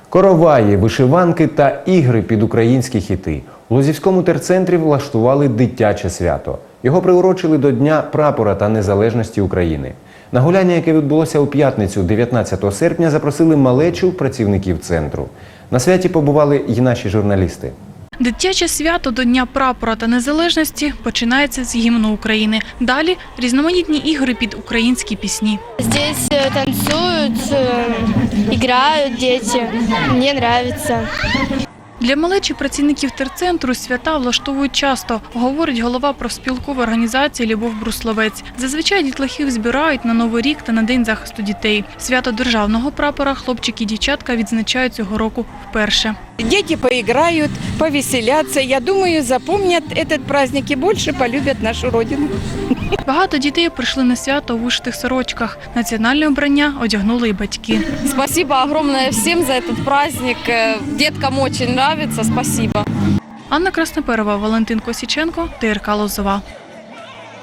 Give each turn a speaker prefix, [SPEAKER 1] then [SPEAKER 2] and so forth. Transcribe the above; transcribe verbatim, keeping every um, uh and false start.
[SPEAKER 1] Короваї, вишиванки та ігри під українські хіти. У Лозівському терцентрі влаштували дитяче свято. Його приурочили до Дня прапора та незалежності України. На гуляння, яке відбулося у п'ятницю, дев'ятнадцятого серпня, запросили малечу працівників центру. На святі побували й наші журналісти.
[SPEAKER 2] Дитяче свято до Дня прапора та незалежності починається з гімну України. Далі – різноманітні ігри під українські пісні.
[SPEAKER 3] Здесь танцюють, грають діти. Мені подобається.
[SPEAKER 2] Для малечі працівників терцентру свята влаштовують часто, говорить голова профспілкової організації Любов Брусловець. Зазвичай дітлахів збирають на Новий рік та на День захисту дітей. Свято державного прапора хлопчики і дівчатка відзначають цього року вперше.
[SPEAKER 4] Дети поиграют, повеселятся. Я думаю, запомнят этот праздник и больше полюбят нашу родину.
[SPEAKER 2] Багато дітей прийшли на свято у вишитих сорочках. Національне обрання одягнули і батьки.
[SPEAKER 5] Спасибо огромное всем за этот праздник. Деткам очень нравится. Спасибо.
[SPEAKER 2] Анна Красноперова, Валентин Косіченко, ТРК Лозова.